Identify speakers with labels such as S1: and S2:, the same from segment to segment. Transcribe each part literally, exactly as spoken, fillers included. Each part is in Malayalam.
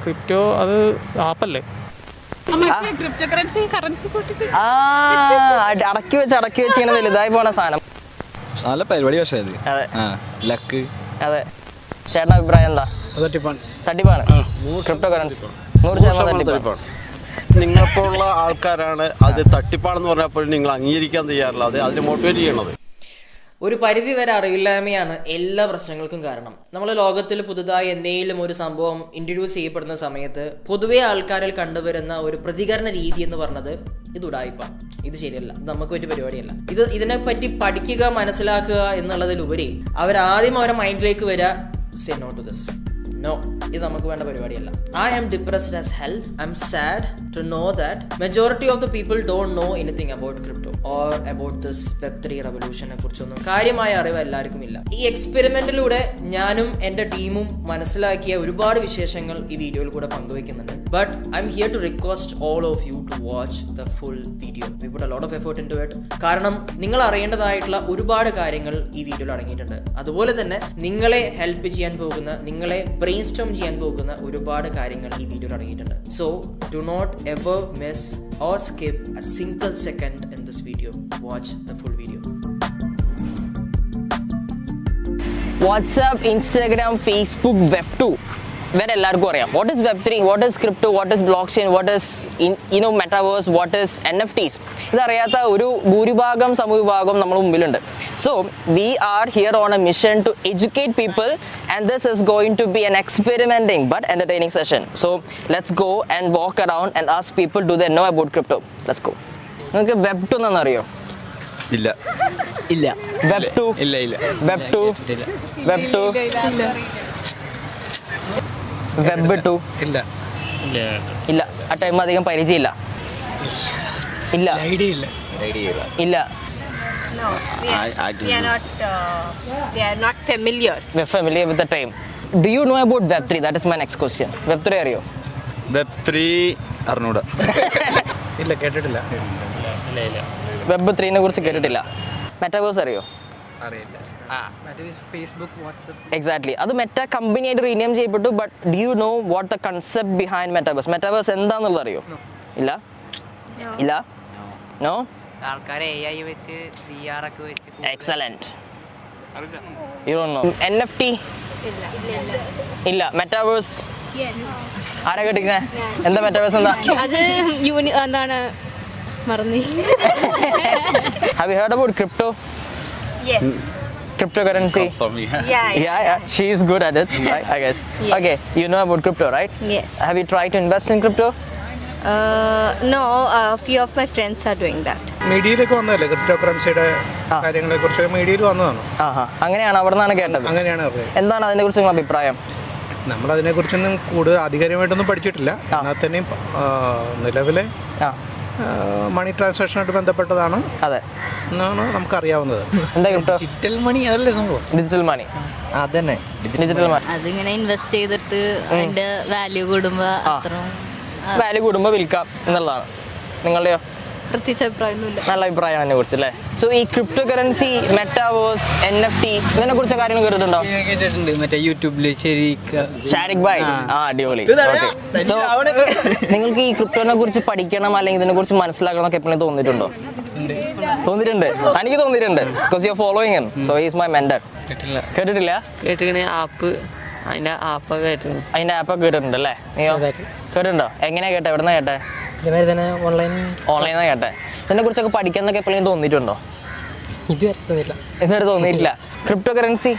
S1: ക്രിപ്റ്റോ അത് ആപ്പല്ലേ?
S2: അടക്കി വെച്ച് അടക്കി വെച്ച് ഇങ്ങനെ വലുതായി പോണ സാധനം.
S3: നല്ല പരിപാടി. പക്ഷേ അത് ലക്ക്.
S2: അതെ, ചേട്ടൻ്റെ അഭിപ്രായം എന്താ? തട്ടിപ്പാണ് ക്രിപ്റ്റോ കറൻസി. നൂറ് ശതമാനം തട്ടിപ്പാണ്.
S4: നിങ്ങൾക്കുള്ള ആൾക്കാരാണ് അത് തട്ടിപ്പാണെന്ന് പറഞ്ഞപ്പോൾ നിങ്ങൾ അംഗീകരിക്കാൻ തയ്യാറില്ല. അത് അതിനെ മോട്ടിവേറ്റ് ചെയ്യണത്.
S5: ഒരു പരിധി വരെ അറിവില്ലായ്മയാണ് എല്ലാ പ്രശ്നങ്ങൾക്കും കാരണം. നമ്മൾ ലോകത്തിൽ പുതുതായി എന്തെങ്കിലും ഒരു സംഭവം ഇൻട്രൊഡ്യൂസ് ചെയ്യപ്പെടുന്ന സമയത്ത് പൊതുവെ ആൾക്കാരിൽ കണ്ടുവരുന്ന ഒരു പ്രതികരണ രീതി എന്ന് പറഞ്ഞത് ഇത് ഉടായിപ്പാണ്, ഇത് ശരിയല്ല, ഇത് നമുക്ക് പറ്റിയ പരിപാടിയല്ല. ഇത് ഇതിനെപ്പറ്റി പഠിക്കുക, മനസ്സിലാക്കുക എന്നുള്ളതിലുപരി അവരാദ്യം അവരുടെ മൈൻഡിലേക്ക് വരിക say no to this. No, ഇത് നമുക്ക് വേണ്ട പരിപാടിയല്ല. I am depressed as hell. I'm sad to know that majority of the people don't know anything about crypto or about this web three റവല്യൂഷനെ കുറിച്ചൊന്നും കാര്യമായ അറിവ് എല്ലാവർക്കും ഇല്ല. ഈ എക്സ്പെരിമെന്റിലൂടെ ഞാനും എൻ്റെ ടീമും മനസ്സിലാക്കിയ ഒരുപാട് വിശേഷങ്ങൾ ഈ വീഡിയോയിൽ കൂടെ പങ്കുവയ്ക്കുന്നുണ്ട്. But I'm here to request all of you to watch the full video. We put a lot of effort into it. കാരണം നിങ്ങൾ അറിയേണ്ടതായിട്ടുള്ള ഒരുപാട് കാര്യങ്ങൾ ഈ വീഡിയോയിൽ അടങ്ങിയിട്ടുണ്ട്. അതുപോലെ തന്നെ നിങ്ങളെ ഹെൽപ്പ് ചെയ്യാൻ പോകുന്ന, നിങ്ങളെ ബ്രെയിൻ സ്റ്റോം ചെയ്യാൻ പോകുന്ന ഒരുപാട് കാര്യങ്ങൾ ഈ വീഡിയോയിൽ അടങ്ങിയിട്ടുണ്ട്. So do not ever miss or skip a single second in this video. Watch the full video.
S2: WhatsApp, Instagram, Facebook, web two വരെ എല്ലാവർക്കും അറിയാം. What is web three, what is crypto, what is block chain, what is ഇനോ metaverse, what is N F Ts. ഇതറിയാത്ത ഒരു ഭൂരിഭാഗം സമൂഹഭാഗം നമ്മുടെ മുമ്പിലുണ്ട്. So we are here on a mission to educate people and this is going to be an experimenting but entertaining session. So let's go and walk around and ask people, do they know about crypto? Let's go. നിങ്ങൾക്ക് വെബ് ടു എന്നാണ് അറിയോ?
S3: ഇല്ല ഇല്ല.
S2: വെബ് ടു
S3: ഇല്ല ഇല്ല.
S2: Web two web two web two
S1: ഇല്ല
S2: ഇല്ല. ആ ടൈം അധികം പരിചയമില്ല. ഇല്ല
S1: ഐഡിയ ഇല്ല.
S2: ഇല്ല.
S6: No, we are, I, I we are not. Uh, we are not familiar.
S2: We're familiar with the term. Do you know about web three? That is my next question. Web three അറിയോ?
S3: വെബ് ത്രീ അറിഞ്ഞൂടാ.
S1: ഇല്ല, കേട്ടിട്ടില്ല.
S2: വെബ് ത്രീനെ കുറിച്ച് കേട്ടിട്ടില്ല. മെറ്റാവേഴ്സ് അറിയോ?
S1: അറിയില്ല. Facebook, WhatsApp.
S2: എക്സാക്ട്ലി. അത് മെറ്റ കമ്പനിയായിട്ട് റീനെയിം ചെയ്യപ്പെട്ടു. But do you know what the concept behind metaverse? Metaverse എന്താണെന്നുള്ളത് അറിയോ? ഇല്ല ഇല്ല. നോ.
S7: ആൾക്കാരെ എ ഐ വെച്ച് വി ആർ ഒക്കെ വെച്ച്.
S2: Excellent. You don't know. N F T
S6: ഇല്ല ഇല്ല.
S2: ഇല്ല. മെറ്റാവേഴ്സ് ആരാ കേട്ടിരിക്കണേ? എന്താ മെറ്റാവേഴ്സ്? എന്താ
S6: അത്? യൂണി എന്താണ് മറന്നു.
S2: Have you heard about crypto?
S6: Yes.
S2: Cryptocurrency.
S6: Yeah, yeah.
S2: Yeah, yeah. She is good at it, right? I guess.
S6: Yes.
S2: Okay, you know about crypto, right?
S6: Yes.
S2: Have you tried to invest in crypto?
S6: Uh, no, a uh, few of my friends are doing that.
S1: മീഡിയയിലേക്ക് വന്നതല്ലേ ക്രിപ്റ്റോ കറൻസിയുടെ കാര്യങ്ങളെ കുറിച്ച്? മീഡിയയിൽ വന്നതാണ്.
S2: ആഹാ, അങ്ങനെയാണ്. അവിടെ നിന്നാണ് കേട്ടത്.
S1: അങ്ങനെയാണ് അറിയാം.
S2: എന്താണ് അതിനെ കുറിച്ച് നിങ്ങളുടെ അഭിപ്രായം?
S1: നമ്മളതിനെ കുറിച്ചൊന്നും കൂടുതൽ ആധികാരികമായിട്ടൊന്നും പഠിച്ചിട്ടില്ല. എന്നാൽ തന്നെയും നിലവിലെ മണി ട്രാൻസാക്ഷനായിട്ട് ബന്ധപ്പെട്ടതാണ്
S2: അതെ
S1: എന്നാണ് നമുക്കറിയാവുന്നത്.
S2: എന്താ ക്രിപ്റ്റോ?
S1: ഡിജിറ്റൽ മണി അതല്ലേ സംഭവം?
S2: Digital money.
S1: അതന്നെ
S2: ഡിജിറ്റൽ മണി.
S8: അതിങ്ങനെ ഇൻവെസ്റ്റ് ചെയ്തിട്ട് അതിന്റെ വാല്യൂ കൂടുമ്പോ അത്രയും
S2: വാല്യൂ കൂടുമ്പോൾ വിൽക്കാം എന്നുള്ളതാണ്. നിങ്ങളുടെയോ?
S8: പ്രത്യേകിച്ച് അഭിപ്രായമൊന്നുമില്ല.
S2: നല്ല അഭിപ്രായമാണ് അതിനെ കുറിച്ച് അല്ലേ? സോ ഈ crypto currency, metaverse, N F T ഇതിനെ കുറിച്ച് കാര്യങ്ങൾ കേട്ടിട്ടുണ്ടോ?
S7: കേട്ടിട്ടുണ്ട്. മറ്റേ യൂട്യൂബില്
S2: ഷാരിഖ് ഭായ്. ആ, അടിപൊളി. സോ നിങ്ങൾക്ക് ഈ ക്രിപ്റ്റോനെ കുറിച്ച് പഠിക്കണം അല്ലെങ്കിൽ ഇതിനെ കുറിച്ച് മനസ്സിലാക്കണം എന്നൊക്കെ എപ്പോഴും തോന്നിയിട്ടുണ്ടോ? തോന്നിയിട്ടുണ്ട്. എനിക്ക് തോന്നിയിട്ടുണ്ട്. Because you are following him. So he is my mentor. കേട്ടിട്ടില്ല?
S7: കേട്ടിങ്ങനെ ആപ്പ്, അതിന്റെ ആപ്പ് കേട്ടിട്ടുണ്ട്.
S2: അതിന്റെ ആപ്പൊക്കെ കേട്ടിട്ടുണ്ട് അല്ലേ? നീയോ കേട്ടിട്ടുണ്ടോ? എങ്ങനെയാ കേട്ടെ? എവിടെന്നാ കേട്ടെ? ഓൺലൈനാ കേട്ടെ. ഇതിനെ കുറിച്ചൊക്കെ പഠിക്കാന്നൊക്കെ എപ്പോഴും തോന്നിയിട്ടുണ്ടോ? ഇതുവരെ തോന്നിയിട്ടില്ല. ക്രിപ്റ്റോ കറൻസി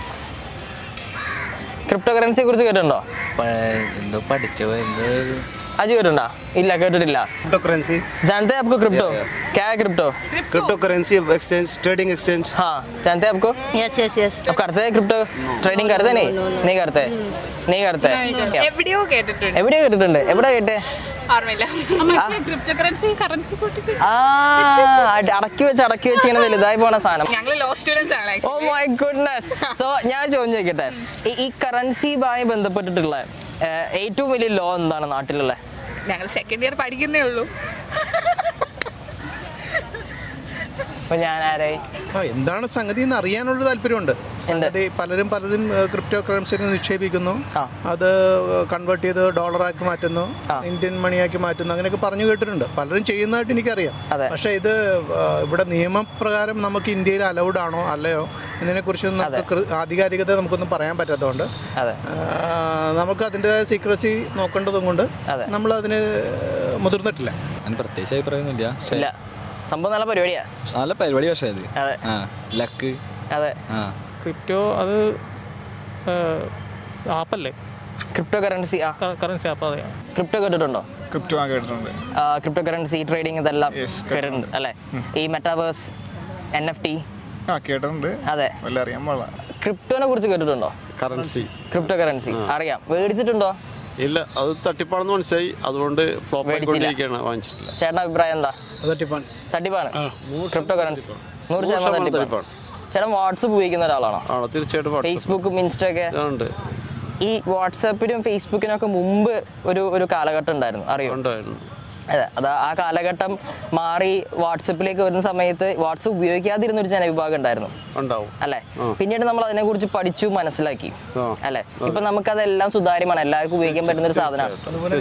S2: ക്രിപ്റ്റോ കറൻസിയെ കുറിച്ച് കേട്ടിട്ടുണ്ടോ?
S7: എന്തോ പഠിച്ചോ എന്തോ.
S2: അജി കേട്ടിട്ടുണ്ടോ? ഇല്ല, കേട്ടിട്ടില്ല.
S9: क्रिप्टो करेंसी
S2: जानते हैं आपको क्रिप्टो? क्या है crypto?
S9: Crypto currency exchange, trading exchange.
S2: हाँ, जानते हैं आपको?
S8: Yes yes yes.
S2: आप करते हैं क्रिप्टो ट्रेडिंग? करते नहीं? नहीं करते. नहीं करते.
S10: എവിടെയോ കേട്ടിട്ടുണ്ട്.
S2: എവിടെയോ കേട്ടിട്ടുണ്ട്. എവിടെ കേട്ടെ?
S10: ഓർമ്മയില്ല. ക്രിപ്റ്റോ കറൻസി കറൻസി
S2: ആ, അടക്കി വെച്ച് അടക്കി വെച്ച് ഇങ്ങനെ വലുതായി പോണ സാധനം.
S10: ഞങ്ങൾ ലോ സ്റ്റുഡൻസ് ആണ്.
S2: Oh my goodness. സോ ഞാൻ ചോദിച്ചു ചോദിക്കട്ടെ, ഈ കറൻസിയുമായി ബന്ധപ്പെട്ടിട്ടുള്ള ഏറ്റവും വലിയ ലോ എന്താണ് നാട്ടിലുള്ള?
S10: ഞങ്ങൾ സെക്കൻഡ് ഇയർ പഠിക്കുന്നേ ഉള്ളൂ.
S2: ഇപ്പൊ ഞാൻ ആരായി?
S1: ആ എന്താണ് സംഗതി എന്ന് അറിയാനുള്ള താല്പര്യമുണ്ട്. സംഗതി പലരും പലരും ക്രിപ്റ്റോ കറൻസിയിൽ നിക്ഷേപിക്കുന്നു, അത് കൺവേർട്ട് ചെയ്ത് ഡോളറാക്കി മാറ്റുന്നു, ഇന്ത്യൻ മണിയാക്കി മാറ്റുന്നു, അങ്ങനെയൊക്കെ പറഞ്ഞു കേട്ടിട്ടുണ്ട്. പലരും ചെയ്യുന്നതായിട്ട് എനിക്കറിയാം. പക്ഷേ ഇത് ഇവിടെ നിയമപ്രകാരം നമുക്ക് ഇന്ത്യയിൽ അലൗഡ് ആണോ അല്ലയോ എന്നതിനെക്കുറിച്ച് നമുക്ക് ആധികാരികത നമുക്കൊന്നും പറയാൻ പറ്റാത്തതുകൊണ്ട് നമുക്ക് അതിൻ്റെതായ സീക്രസി നോക്കേണ്ടതും കൊണ്ട് നമ്മൾ അതിന് മുതിർന്നിട്ടില്ല.
S3: പ്രത്യേകിച്ച് അഭിപ്രായമൊന്നുമില്ല.
S2: സംഭവം നല്ല പരിപാടിയാ,
S3: നല്ല പരിപാടി. പക്ഷേ അത് ലക്ക്.
S2: അതെ,
S11: ക്രിപ്റ്റോ അത് ആപ്പല്ലേ?
S2: Crypto currency
S11: currency app. അതെ,
S2: ക്രിപ്റ്റോ കേട്ടിട്ടുണ്ടോ?
S11: ക്രിപ്റ്റോ ആ കേട്ടിട്ടുണ്ട്.
S2: ക്രിപ്റ്റോ കറൻസി ട്രേഡിംഗ് ഇതെല്ലാം കേട്ടിട്ടുണ്ട് അല്ലേ? ഈ മെറ്റാവേഴ്സ്, എൻ എഫ് ടി
S11: ആ കേട്ടിട്ടുണ്ട്.
S2: അതെ,
S11: അറിയാൻ പാടില്ല.
S2: ക്രിപ്റ്റോനെ കുറിച്ച് കേട്ടിട്ടുണ്ടോ?
S4: കറൻസി,
S2: ക്രിപ്റ്റോ കറൻസി അറിയാം. മേടിച്ചിട്ടുണ്ടോ?
S4: ഇല്ല, അത് തട്ടിപ്പാണെന്ന് മനസ്സിലായി, അതുകൊണ്ട് ഫ്ലോപ്പ് ആയിക്കൊണ്ടിരിക്കുകയാണ്, വാങ്ങിച്ചിട്ടില്ല.
S2: ചേട്ടൻ്റെ അഭിപ്രായം എന്താ?
S1: തട്ടിപ്പാണ്.
S2: തട്ടിപ്പാണ് ക്രിപ്റ്റോ കറൻസി, നൂറ് ശതമാനം തട്ടിപ്പാണ്. ചേട്ടൻ വാട്സപ്പ് ഉപയോഗിക്കുന്ന ഒരാളാണോ?
S4: ആണോ? തീർച്ചയായിട്ടും.
S2: ഫേസ്ബുക്കും ഇൻസ്റ്റൊക്കെ
S4: ഉണ്ട്.
S2: ഈ വാട്സാപ്പിനും ഫേസ്ബുക്കിനും ഒക്കെ മുമ്പ് ഒരു ഒരു കാലഘട്ടം ഉണ്ടായിരുന്നു, അറിയോ?
S4: ഉണ്ടായിരുന്നു.
S2: അതെ, അത് ആ കാലഘട്ടം മാറി വാട്സപ്പിലേക്ക് വരുന്ന സമയത്ത് വാട്സപ്പ് ഉപയോഗിക്കാതിരുന്ന ഒരു ജനവിഭാഗം ഉണ്ടായിരുന്നു അല്ലെ? പിന്നീട് നമ്മൾ അതിനെ കുറിച്ച് പഠിച്ചു, മനസ്സിലാക്കി അല്ലെ? ഇപ്പൊ നമുക്കതെല്ലാം സുതാര്യമാണ്, എല്ലാവർക്കും ഉപയോഗിക്കാൻ പറ്റുന്ന ഒരു സാധനമാണ്.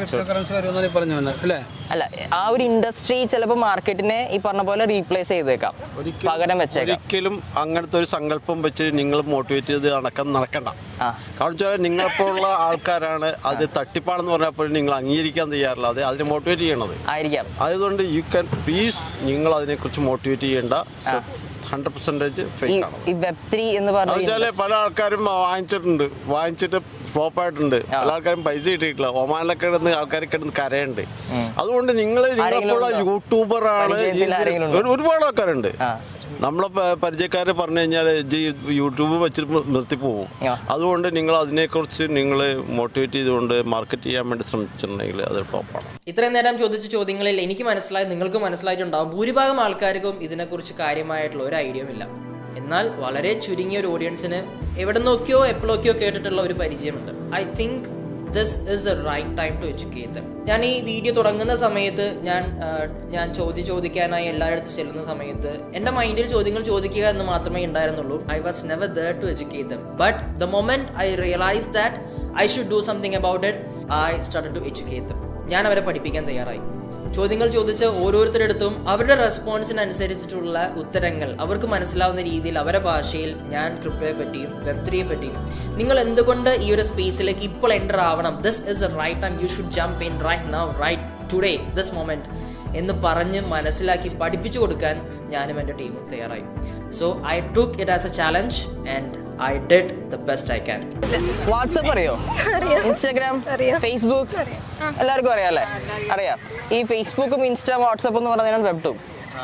S2: അല്ല, ആ ഒരു ഇൻഡസ്ട്രി ചിലപ്പോൾ മാർക്കറ്റിനെ ഈ പറഞ്ഞ പോലെ റീപ്ലേസ് ചെയ്തേക്കാം, പകരം വെച്ചേക്കാം.
S4: ഒരിക്കലും അങ്ങനത്തെ ഒരു സങ്കല്പം വെച്ച് നിങ്ങൾ മോട്ടിവേറ്റ് ചെയ്ത് നടക്കാൻ നടക്കണ്ട. കാരണം വെച്ചാൽ നിങ്ങളെപ്പോലുള്ള ആൾക്കാരാണ് അത് തട്ടിപ്പാണെന്ന് പറഞ്ഞപ്പോൾ നിങ്ങൾ അംഗീകരിക്കാൻ തയ്യാറില്ല, അത് അതിനെ മോട്ടിവേറ്റ് ചെയ്യണത്
S2: ആയിരിക്കാം.
S4: അതുകൊണ്ട് യു ക്യാൻ പ്ലീസ് നിങ്ങൾ അതിനെക്കുറിച്ച് മോട്ടിവേറ്റ് ചെയ്യേണ്ട. ഹൺഡ്രഡ് പെർസെൻറ്റേജ് ഫേക്ക് ആണ്.
S2: ഈ വെബ് ത്രീ എന്ന് പറഞ്ഞാൽ
S4: പല ആൾക്കാരും വാങ്ങിച്ചിട്ടുണ്ട്, വാങ്ങിച്ചിട്ട് ഫ്ലോപ്പ് ആയിട്ടുണ്ട്. പല ആൾക്കാരും പൈസ കിട്ടിയിട്ടില്ല. ഒമാനിലൊക്കെ കിടന്ന് ആൾക്കാർ കിടന്ന് കരയുണ്ട്. അതുകൊണ്ട് നിങ്ങൾ നിങ്ങളെപ്പോലുള്ള യൂട്യൂബറാണ്, ഒരുപാട് ആൾക്കാരുണ്ട്. നമ്മളെ പരിചയക്കാരെ പറഞ്ഞു കഴിഞ്ഞാൽ യൂട്യൂബ് വെച്ചിട്ട് നിർത്തിപ്പോവും. അതുകൊണ്ട് നിങ്ങൾ അതിനെക്കുറിച്ച് നിങ്ങൾ മോട്ടിവേറ്റ് ചെയ്തുകൊണ്ട് മാർക്കറ്റ് ചെയ്യാൻ വേണ്ടി ശ്രമിച്ചിട്ടുണ്ടെങ്കിൽ അത് ടോപ്പാണ്.
S5: ഇത്രയും നേരം ചോദിച്ച ചോദ്യങ്ങളിൽ എനിക്ക് മനസ്സിലായി, നിങ്ങൾക്ക് മനസ്സിലായിട്ടുണ്ടാവും, ഭൂരിഭാഗം ആൾക്കാർക്കും ഇതിനെക്കുറിച്ച് കാര്യമായിട്ടുള്ള ഒരു ഐഡിയയും ഇല്ല. എന്നാൽ വളരെ ചുരുങ്ങിയ ഒരു ഓഡിയൻസിന് എവിടെ നോക്കിയോ എപ്പോഴൊക്കെയോ കേട്ടിട്ടുള്ള ഒരു പരിചയമുണ്ട്. I think this is a right time to educate them. ഞാൻ ഈ വീഡിയോ തുടങ്ങുന്ന സമയത്ത് ഞാൻ ഞാൻ ചോദ്യം ചോദിക്കാനായി എല്ലായിടത്തും ചെല്ലുന്ന സമയത്ത് എൻ്റെ മൈൻഡിൽ ചോദ്യങ്ങൾ ചോദിക്കുക എന്ന് മാത്രമേ ഉണ്ടായിരുന്നുള്ളൂ. I was never there to educate them. But the moment I realise that I should do something about it, I started to educate them. ഞാൻ അവരെ പഠിപ്പിക്കാൻ തയ്യാറായി. ചോദ്യങ്ങൾ ചോദിച്ച ഓരോരുത്തരടുത്തും അവരുടെ റെസ്പോൺസിനനുസരിച്ചിട്ടുള്ള ഉത്തരങ്ങൾ അവർക്ക് മനസ്സിലാവുന്ന രീതിയിൽ അവരുടെ ഭാഷയിൽ ഞാൻ ക്രിപ്റ്റോയെ പറ്റിയും വെബ് ത്രീയെ പറ്റിയും നിങ്ങൾ എന്തുകൊണ്ട് ഈ ഒരു സ്പേസിലേക്ക് ഇപ്പോൾ എൻ്റർ ആവണം, this is a right time, you should jump in right now, right today, this moment എന്ന് പറഞ്ഞ് മനസ്സിലാക്കി പഠിപ്പിച്ചു കൊടുക്കാൻ ഞാനും എൻ്റെ ടീമും തയ്യാറായി. So I took it as a challenge and I did the best I can.
S2: WhatsApp അറിയോ? ഇൻസ്റ്റാഗ്രാം, ഫേസ്ബുക്ക് എല്ലാവർക്കും അറിയാം അല്ലേ? അറിയാം. ഈ ഫേസ്ബുക്കും ഇൻസ്റ്റാ വാട്സപ്പ് എന്ന് പറയുന്നതാണ് വെബ് ടു.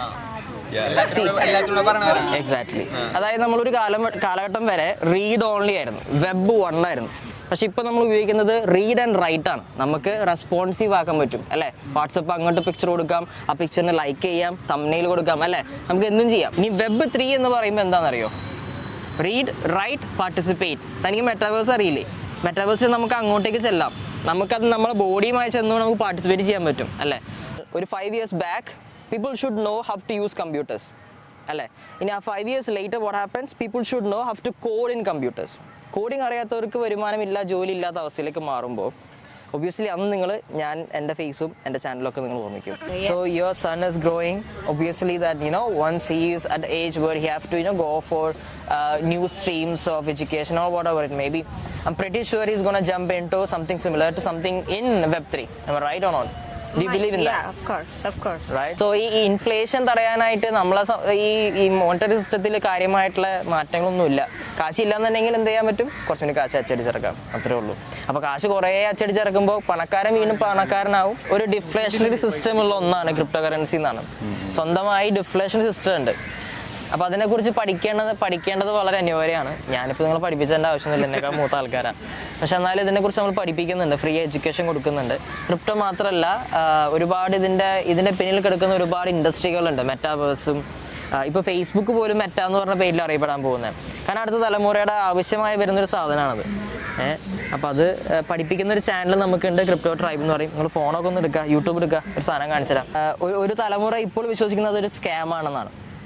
S2: എക്സാക്ട്ലി. അതായത് നമ്മളൊരു കാലം കാലഘട്ടം വരെ റീഡ് ഓൺലി ആയിരുന്നു, വെബ് വൺ ആയിരുന്നു. പക്ഷെ ഇപ്പൊ നമ്മൾ ഉപയോഗിക്കുന്നത് റീഡ് ആൻഡ് റൈറ്റ് ആണ്. നമുക്ക് റെസ്പോൺസീവ് ആക്കാൻ പറ്റും അല്ലേ? വാട്സപ്പ് അങ്ങോട്ട് പിക്ചർ കൊടുക്കാം, ആ പിക്ചറിന് ലൈക്ക് ചെയ്യാം, തംബ്നെയിൽ കൊടുക്കാം അല്ലേ? നമുക്ക് എന്തും ചെയ്യാം. ഇനി വെബ് ത്രീ എന്ന് പറയുമ്പോൾ എന്താണെന്നറിയോ? Read, write, participate. തനിക്ക് മെറ്റാവേഴ്സ് അറിയില്ലേ? മെറ്റാവേഴ്സിൽ നമുക്ക് അങ്ങോട്ടേക്ക് ചെല്ലാം, നമുക്കത് നമ്മളെ ബോഡിയുമായി ചെന്നുകൊണ്ട് നമുക്ക് പാർട്ടിസിപ്പേറ്റ് ചെയ്യാൻ പറ്റും അല്ലേ? ഒരു five years back people should know how to use computers അല്ലേ? ഇനി ആ five years later what happens? People should know how to code in computers. Coding അറിയാത്തവർക്ക് വരുമാനമില്ല, ജോലി ഇല്ലാത്ത അവസ്ഥയിലേക്ക് മാറുമ്പോൾ ഒബ്വിയസ്ലി അന്ന് നിങ്ങൾ ഞാൻ എൻ്റെ ഫേസും എൻ്റെ ചാനലൊക്കെ നിങ്ങൾ ഓർമ്മിക്കും. So your son is growing, obviously that you know once he is at age where he have to you know go for new streams of education or whatever it may be. I'm pretty sure he is gonna jump in to something similar to something in web three. Am I right or not? Do you believe in that?
S6: Yeah, of course, of course.
S2: Right. So ഈ ഇൻഫ്ലേഷൻ തടയാനായിട്ട് നമ്മളെ ഈ ഈ മോണിറ്ററി സിസ്റ്റത്തിൽ കാര്യമായിട്ടുള്ള മാറ്റങ്ങളൊന്നുമില്ല. കാശ് ഇല്ലാന്നുണ്ടെങ്കിൽ എന്ത് ചെയ്യാൻ പറ്റും? കുറച്ചുകൂടി കാശ് അച്ചടിച്ചിറക്കാം, അത്രേ ഉള്ളൂ. അപ്പോൾ കാശ് കുറേ അച്ചടിച്ചിറക്കുമ്പോൾ പണക്കാരൻ വീണ്ടും പണക്കാരനാവും. ഒരു ഡിഫ്ലേഷണറി സിസ്റ്റം ഉള്ള ഒന്നാണ് ക്രിപ്റ്റോ കറൻസി എന്നാണ്. സ്വന്തമായി ഡിഫ്ലേഷണറി സിസ്റ്റം ഉണ്ട്. അപ്പോൾ അതിനെക്കുറിച്ച് പഠിക്കേണ്ടത് പഠിക്കേണ്ടത് വളരെ അനിവാര്യമാണ്. ഞാനിപ്പോൾ നിങ്ങളെ പഠിപ്പിച്ചതിൻ്റെ ആവശ്യമൊന്നുമില്ല, എന്നേക്കാൾ മൂത്ത ആൾക്കാരാണ്. പക്ഷെ എന്നാലും ഇതിനെക്കുറിച്ച് നമ്മൾ പഠിപ്പിക്കുന്നുണ്ട്, ഫ്രീ എഡ്യൂക്കേഷൻ കൊടുക്കുന്നുണ്ട്. ക്രിപ്റ്റോ മാത്രമല്ല, ഒരുപാട് ഇതിൻ്റെ ഇതിൻ്റെ പിന്നിൽ കിടക്കുന്ന ഒരുപാട് ഇൻഡസ്ട്രികളുണ്ട്. മെറ്റാവേഴ്സും ഇപ്പോൾ ഫേസ്ബുക്ക് പോലും മെറ്റ എന്ന് പറഞ്ഞ പേരിൽ അറിയപ്പെടാൻ പോകുന്നത്. കാരണം അടുത്ത തലമുറയുടെ ആവശ്യമായി വരുന്നൊരു സാധനമാണത്. ഏഹ് അപ്പോൾ അത് പഠിപ്പിക്കുന്ന ഒരു ചാനൽ നമുക്കുണ്ട്, ക്രിപ്റ്റോ ട്രൈബ് എന്ന് പറയും. നിങ്ങൾ ഫോണൊക്കെ ഒന്ന് എടുക്കുക, യൂട്യൂബ് എടുക്കുക, ഒരു സാധനം കാണിച്ചു തരാം. ഒരു തലമുറ ഇപ്പോൾ വിശ്വസിക്കുന്നത് ഒരു സ്കാം ആണെന്നാണ്.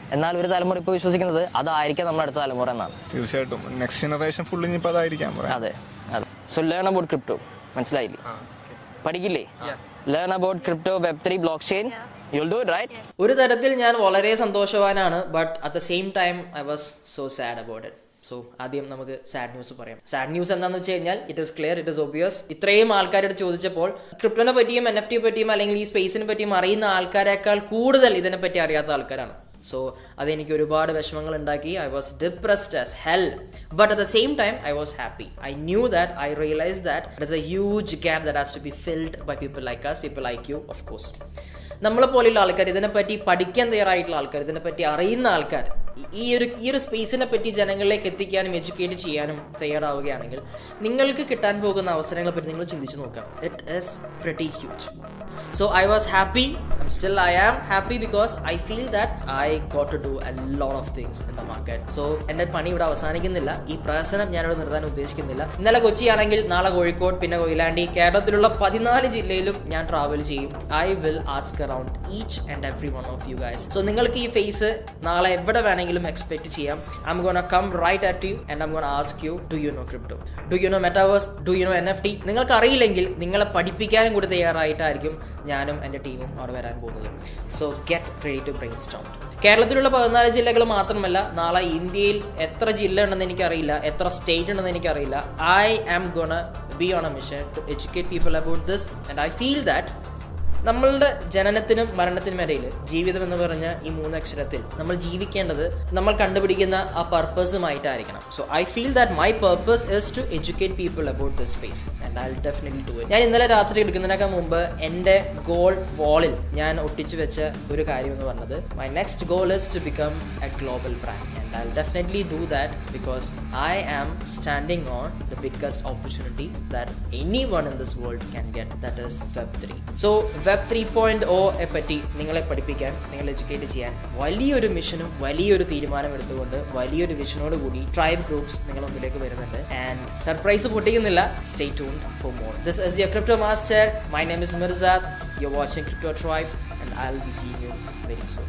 S2: എന്നാൽ ഒരു തലമുറ ഇപ്പോൾ വിശ്വസിക്കുന്നത് അതായിരിക്കാം നമ്മുടെ അടുത്ത തലമുറ എന്നാണ്.
S11: തീർച്ചയായിട്ടും നെക്സ്റ്റ് ജനറേഷൻ ഫുൾ ഇനിയിപ്പോൾ അതായിരിക്കാം.
S2: അതെ അതെ. സോ ലേൺ അബൌട്ട് ക്രിപ്റ്റോ, മനസ്സിലായില്ലേ? പഠിക്കില്ലേ? Learn about crypto, web three, block chain. You'll do it, right?
S5: ഒരു തരത്തിൽ ഞാൻ വളരെ സന്തോഷവാനാണ്, but at the same time I was so sad about it. So ആദ്യം നമുക്ക് സാഡ് ന്യൂസ് പറയാം. സാഡ് ന്യൂസ് എന്താണെന്ന് വെച്ച് കഴിഞ്ഞാൽ it is clear, it is obvious. ഇത്രയും ആൾക്കാരോട് ചോദിച്ചപ്പോൾ ക്രിപ്റ്റോനെ പറ്റിയും എൻ എഫ് ടിയെ പറ്റിയും അല്ലെങ്കിൽ ഈ സ്പേസിനെ പറ്റിയും അറിയുന്ന ആൾക്കാരെക്കാൾ കൂടുതൽ ഇതിനെപ്പറ്റി അറിയാത്ത ആൾക്കാരാണ്. സോ അതെനിക്ക് ഒരുപാട് വിഷമങ്ങൾ ഉണ്ടാക്കി. I was depressed as hell, but at the same time I was happy. I knew that, I realise that it is a huge gap that has to be filled by people like us, people like you of course. നമ്മളെ പോലെയുള്ള ആൾക്കാർ, ഇതിനെപ്പറ്റി പഠിക്കാൻ തയ്യാറായിട്ടുള്ള ആൾക്കാർ, ഇതിനെപ്പറ്റി അറിയുന്ന ആൾക്കാർ ഈ ഒരു ഈ ഒരു സ്പേസിനെ പറ്റി ജനങ്ങളിലേക്ക് എത്തിക്കാനും എഡ്യൂക്കേറ്റ് ചെയ്യാനും തയ്യാറാവുകയാണെങ്കിൽ നിങ്ങൾക്ക് കിട്ടാൻ പോകുന്ന അവസരങ്ങളെ പറ്റി നിങ്ങൾ ചിന്തിച്ച് നോക്കാം. It is pretty huge. So I was happy, still I am happy because I feel that I got to do a lot of things in the market. So എൻ്റെ പണി ഇവിടെ അവസാനിക്കുന്നില്ല, ഈ പ്രശ്നം ഞാനിവിടെ നിർത്താൻ ഉദ്ദേശിക്കുന്നില്ല. ഇന്നലെ കൊച്ചിയാണെങ്കിൽ നാളെ കോഴിക്കോട്, പിന്നെ കൊയിലാണ്ടി, കേരളത്തിലുള്ള പതിനാല് ജില്ലയിലും ഞാൻ ട്രാവൽ ചെയ്യും. I will ask around each and every one of you guys. So നിങ്ങൾക്ക് ഈ ഫേസ് നാളെ എവിടെ വേണമെങ്കിലും എക്സ്പെക്ട് ചെയ്യാം. I'm gonna come right at you and I'm gonna ask you, do you know crypto, do you know metaverse, do you know N F T? നിങ്ങൾക്ക് അറിയില്ലെങ്കിൽ നിങ്ങളെ പഠിപ്പിക്കാനും കൂടി തയ്യാറായിട്ടായിരിക്കും ഞാനും എൻ്റെ ടീമും അവിടെ വരാൻ പോകുന്നത്. So get ready to brainstorm. കേരളത്തിലുള്ള പതിനാല് ജില്ലകൾ മാത്രമല്ല, നാളെ ഇന്ത്യയിൽ എത്ര ജില്ല ഉണ്ടെന്ന് എനിക്കറിയില്ല, എത്ര സ്റ്റേറ്റ് ഉണ്ടെന്ന് എനിക്കറിയില്ല. I am gonna be on a mission to educate people about this and I feel that നമ്മളുടെ ജനനത്തിനും മരണത്തിനും ഇടയിൽ ജീവിതം എന്ന് പറഞ്ഞ ഈ മൂന്ന് അക്ഷരത്തിൽ നമ്മൾ ജീവിക്കേണ്ടത് നമ്മൾ കണ്ടുപിടിക്കുന്ന ആ പർപ്പസുമായിട്ടായിരിക്കണം. So I feel that my purpose is to educate people about this space and I will definitely do it. ഞാൻ ഇന്നലെ രാത്രി എടുക്കുന്നതിനേക്കാൾ മുമ്പ് എൻ്റെ ഗോൾ വാളിൽ ഞാൻ ഒട്ടിച്ചു വെച്ച ഒരു കാര്യം എന്ന് പറഞ്ഞത് my next goal is to become a global brand and I will definitely do that because I am standing on the biggest opportunity that any one in this world can get, that is web three. So web three point ഒയെ പറ്റി നിങ്ങളെ പഠിപ്പിക്കാൻ, നിങ്ങളെ എഡ്യൂക്കേറ്റ് ചെയ്യാൻ വലിയൊരു മിഷനും വലിയൊരു തീരുമാനം എടുത്തുകൊണ്ട് വലിയൊരു വിഷനോട് കൂടി ട്രൈബ് ഗ്രൂപ്പ്സ് നിങ്ങളുടെ മുമ്പിലേക്ക് വരുന്നുണ്ട്. ആൻഡ് സർപ്രൈസ് പൊട്ടിക്കുന്നില്ല, stay tuned for more. This is your crypto master. My name is Mirzad. You are watching crypto tribe and I will be seeing you very soon.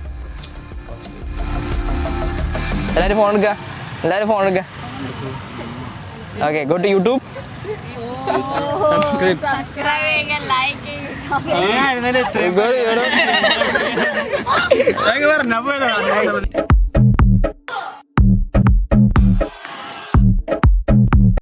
S2: എല്ലാവരും ഫോൺ എടുക്കുക, എല്ലാവരും ഫോൺ എടുക്കുക. Okay, go to YouTube.
S6: Subscribing and liking.
S2: Go to YouTube.